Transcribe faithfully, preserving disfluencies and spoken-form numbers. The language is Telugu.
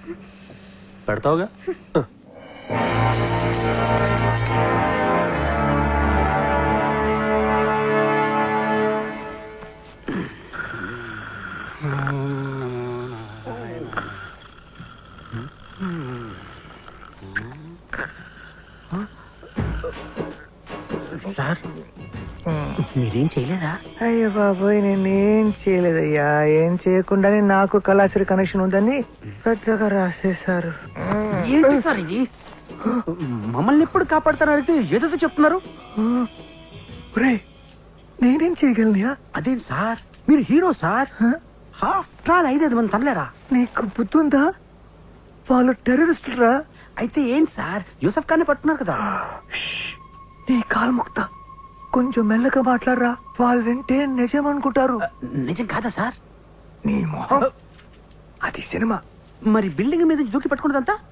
పెడతావుగా? సార్ మీరేం చేయలేదా? అయ్యో బాబోయ్, నేనేం చేయలేదయ్యా. ఏం చేయకుండానే నాకు కళాశ్రీ కనెక్షన్ ఉందని పెద్దగా రాసేశారు. ఏంటి సార్ ఇది? మమ్మల్ని ఎప్పుడు కాపాడుతారని అడిగితే ఏదో చెప్తున్నారు. ఒరేయ్, నేనేం చేయగలనియా? అదేం సార్, మీరు హీరో సార్. హాఫ్ ట్రాల్ ఐదైదు మంది తనలేరా? నీకు బుద్ధి ఉందా? వాళ్ళు టెర్రరిస్టులు రా. అయితే ఏంటి సార్, యూసఫ్ ఖాన్ పట్టున్నారు కదా. నీ కాలు ముక్త కొంచెం మెల్లగా మాట్లాడరా. వాళ్ళు వింటే నిజం అనుకుంటారు. నిజం కాదా సార్? నీ మొహం, అది సినిమా. మరి బిల్డింగ్ మీద నుంచి దూకి పట్టుకున్నదంతా